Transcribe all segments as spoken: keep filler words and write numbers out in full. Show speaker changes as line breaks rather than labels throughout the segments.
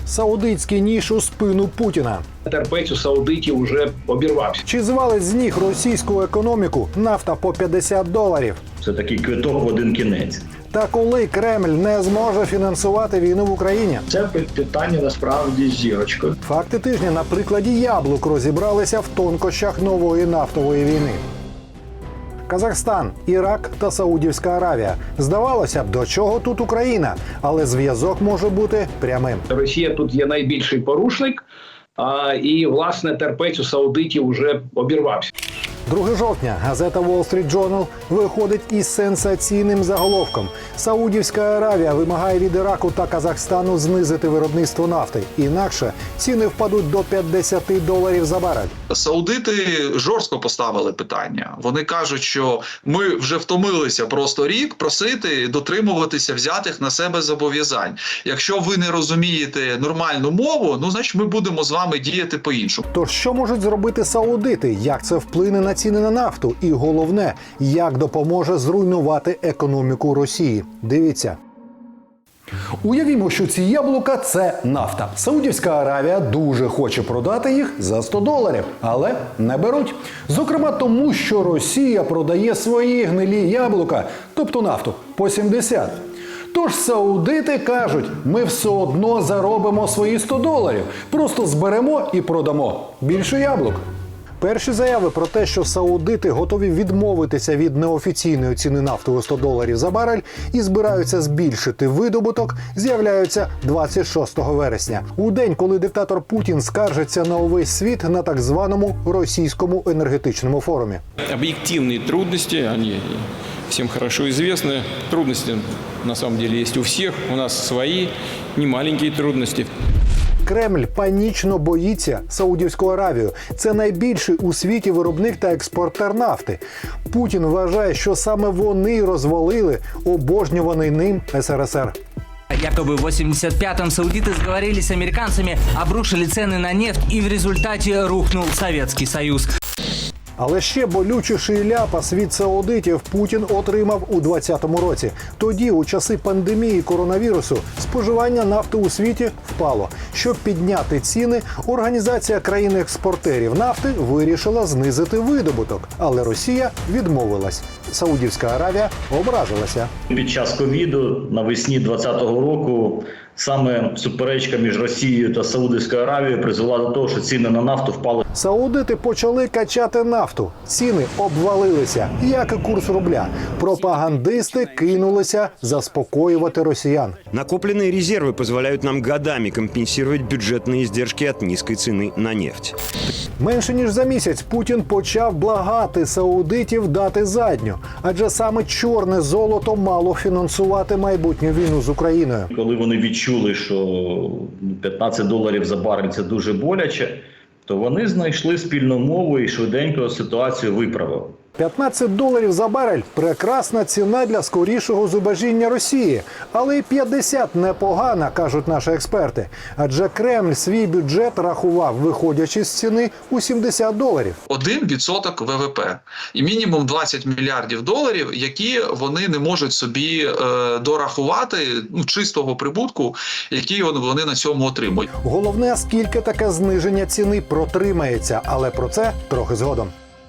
Саудитський ніж у спину Путіна.
Терпець у саудитів вже обірвався.
Чи звалить з ніг російську економіку нафта по п'ятдесят доларів?
Це такий квиток в один кінець.
Та коли Кремль не зможе фінансувати війну в Україні?
Це питання насправді з зірочкою.
Факти тижня на прикладі яблук розібралися в тонкощах нової нафтової війни. Казахстан, Ірак та Саудівська Аравія. Здавалося б, до чого тут Україна? Але зв'язок може бути прямим.
Росія тут є найбільший порушник, а, і, власне, терпець у саудитів вже обірвався.
другого жовтня газета Wall Street Journal виходить із сенсаційним заголовком. Саудівська Аравія вимагає від Іраку та Казахстану знизити виробництво нафти. Інакше ціни впадуть до п'ятдесят доларів за барель.
Саудити жорстко поставили питання. Вони кажуть, що ми вже втомилися просто рік просити дотримуватися взятих на себе зобов'язань. Якщо ви не розумієте нормальну мову, ну, значить ми будемо з вами діяти по-іншому.
Тож що можуть зробити саудити? Як це вплине на ціни на нафту? І головне, як допоможе зруйнувати економіку Росії? Дивіться. Уявімо, що ці яблука – це нафта. Саудівська Аравія дуже хоче продати їх за сто доларів, але не беруть. Зокрема тому, що Росія продає свої гнилі яблука, тобто нафту, по сімдесят. Тож саудити кажуть, ми все одно заробимо свої сто доларів, просто зберемо і продамо більше яблук. Перші заяви про те, що саудити готові відмовитися від неофіційної ціни нафти у сто доларів за барель і збираються збільшити видобуток, з'являються двадцять шостого вересня. У день, коли диктатор Путін скаржиться на увесь світ на так званому російському енергетичному форумі.
Об'єктивні трудності, вони всім хорошо известны. Трудності, на самом деле, є у всіх. У нас свої, не маленькі трудності.
Кремль панічно боїться Саудівську Аравію. Це найбільший у світі виробник та експортер нафти. Путін вважає, що саме вони розвалили обожнюваний ним ес ер ес ер.
Якобы в восемьдесят пятом саудиты сговорились с американцами, обрушили цены на нефть, и в результате рухнул Советский Союз.
Але ще болючіший ляпас від саудитів Путін отримав у двадцятому році. Тоді, у часи пандемії коронавірусу, споживання нафти у світі впало. Щоб підняти ціни, Організація країн-експортерів нафти вирішила знизити видобуток. Але Росія відмовилась. Саудівська Аравія ображилася.
Під час ковіду навесні двадцятого року саме суперечка між Росією та Саудівською Аравією призвела до того, що ціни на нафту впали.
Саудити почали качати нафту. Ціни обвалилися, як і курс рубля. Пропагандисти кинулися заспокоювати росіян.
Накопленные резервы позволяют нам годами компенсировать бюджетные издержки от низкой цены на нефть.
Менше ніж за місяць Путін почав благати саудитів дати задню. Адже саме чорне золото мало фінансувати майбутню війну з Україною.
Коли вони відчули, що п'ятнадцять доларів за барель – це дуже боляче, то вони знайшли спільну мову і швиденько ситуацію виправили.
п'ятнадцять доларів за барель – прекрасна ціна для скорішого зубожіння Росії. Але і п'ятдесят – непогана, кажуть наші експерти. Адже Кремль свій бюджет рахував, виходячи з ціни у сімдесят доларів.
Один відсоток ве ве пе і мінімум двадцять мільярдів доларів, які вони не можуть собі е, дорахувати, ну, чистого прибутку, який вони на цьому отримують.
Головне, скільки таке зниження ціни протримається, але про це трохи згодом.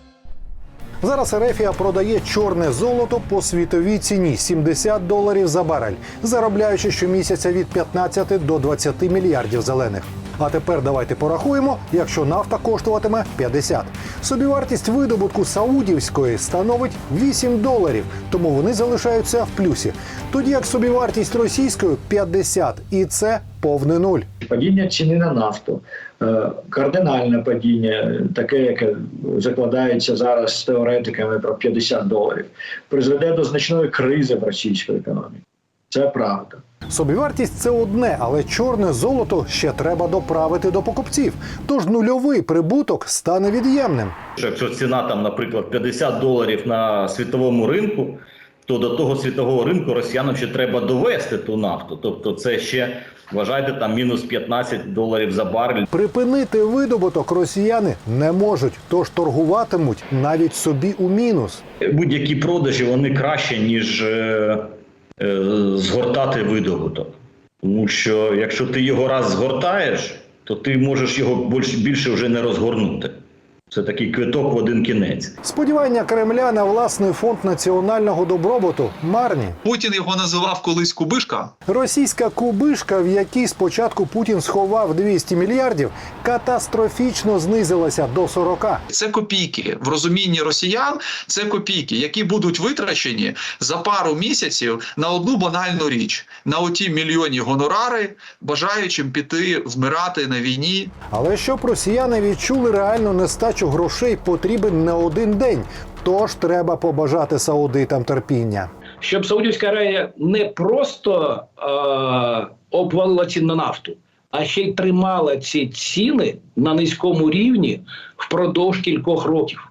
Зараз Ерефія продає чорне золото по світовій ціні – сімдесят доларів за барель, заробляючи щомісяця від п'ятнадцяти до двадцяти мільярдів зелених. А тепер давайте порахуємо, якщо нафта коштуватиме п'ятдесят. Собівартість видобутку саудівської становить вісім доларів, тому вони залишаються в плюсі. Тоді як собівартість російської – п'ятдесят, і це повний нуль.
Падіння ціни на нафту, кардинальне падіння, таке, яке закладається зараз з теоретиками про п'ятдесят доларів, призведе до значної кризи в російській економіці. Це правда.
Собівартість – це одне, але чорне золото ще треба доправити до покупців. Тож нульовий прибуток стане від'ємним.
Якщо ціна, там, наприклад, п'ятдесят доларів на світовому ринку, то до того світового ринку росіянам ще треба довести ту нафту. Тобто це ще, вважайте, там мінус п'ятнадцять доларів за барель.
Припинити видобуток росіяни не можуть, тож торгуватимуть навіть собі у мінус.
Будь-які продажі, вони краще, ніж е, е, згортати видобуток. Тому що якщо ти його раз згортаєш, то ти можеш його більше, більше вже не розгорнути. Це такий квиток в один кінець.
Сподівання Кремля на власний фонд національного добробуту марні.
Путін його називав колись кубишка.
Російська кубишка, в якій спочатку Путін сховав двісті мільярдів, катастрофічно знизилася до сорока.
Це копійки. В розумінні росіян це копійки, які будуть витрачені за пару місяців на одну банальну річ. На оті мільйонні гонорари, бажаючим піти вмирати на війні.
Але щоб росіяни відчули реальну нестачу грошей, потрібен не один день. Тож треба побажати саудитам терпіння.
Щоб Саудівська Аравія не просто е- обвалила ціни на нафту, а ще й тримала ці ціни на низькому рівні впродовж кількох років.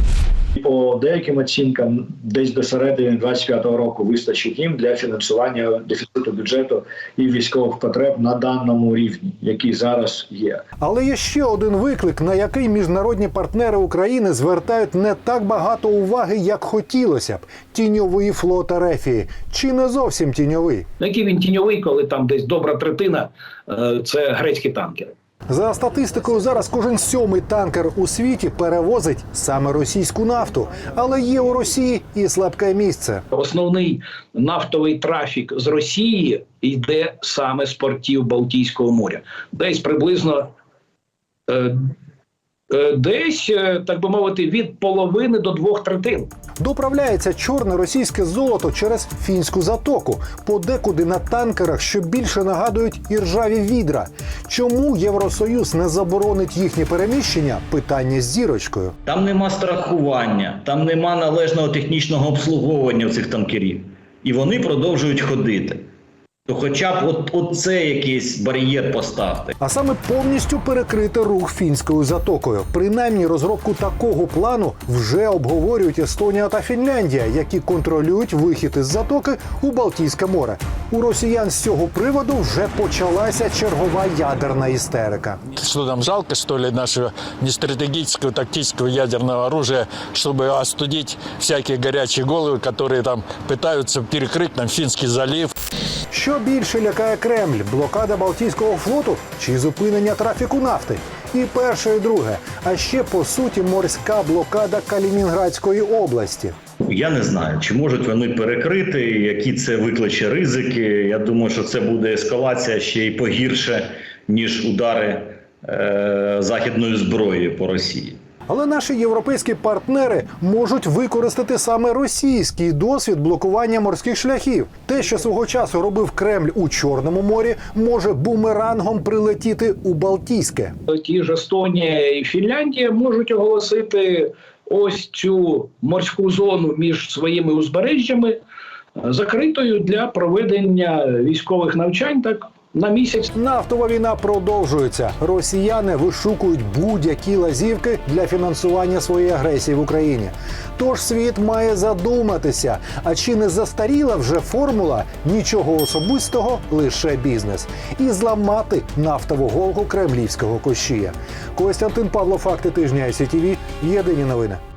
По деяким оцінкам, десь до середини двадцять п'ятого року вистачить їм для фінансування дефіциту бюджету і військових потреб на даному рівні, який зараз є.
Але є ще один виклик, на який міжнародні партнери України звертають не так багато уваги, як хотілося б. Тіньовий флот Ерефії. Чи не зовсім тіньовий?
Який він тіньовий, коли там десь добра третина е- – це грецькі танкери.
За статистикою, зараз кожен сьомий танкер у світі перевозить саме російську нафту. Але є у Росії і слабке місце.
Основний нафтовий трафік з Росії йде саме з портів Балтійського моря. Десь приблизно, е, е, десь, е, так би мовити, від половини до двох третин.
Доправляється чорне російське золото через Фінську затоку, подекуди на танкерах, що більше нагадують іржаві відра. Чому Євросоюз не заборонить їхнє переміщення? Питання з зірочкою.
Там нема страхування, там нема належного технічного обслуговування цих танкерів. І вони продовжують ходити. То хоча б от, от це якийсь бар'єр поставте.
А саме повністю перекрити рух Фінською затокою. Принаймні розробку такого плану вже обговорюють Естонія та Фінляндія, які контролюють вихід із затоки у Балтійське море. У росіян з цього приводу вже почалася чергова ядерна істерика.
Что нам жалко, что ли, нашего нестратегического тактического ядерного оружия, чтобы остудить всякие горячие головы, которые там пытаются перекрыть нам Финский залив.
Що більше лякає Кремль – блокада Балтійського флоту чи зупинення трафіку нафти? І перше, і друге. А ще, по суті, морська блокада Калінінградської області.
Я не знаю, чи можуть вони перекрити, які це викличе ризики. Я думаю, що це буде ескалація ще й погірше, ніж удари е- західної зброї по Росії.
Але наші європейські партнери можуть використати саме російський досвід блокування морських шляхів. Те, що свого часу робив Кремль у Чорному морі, може бумерангом прилетіти у Балтійське.
Ті ж Естонія і Фінляндія можуть оголосити ось цю морську зону між своїми узбережжями закритою для проведення військових навчань так на місяць.
Нафтова війна продовжується. Росіяни вишукують будь-які лазівки для фінансування своєї агресії в Україні. Тож світ має задуматися, а чи не застаріла вже формула «нічого особистого, лише бізнес» і зламати нафтову голку кремлівського кощія. Костянтин Павло, факти тижня ай сі ті ві, єдині новини.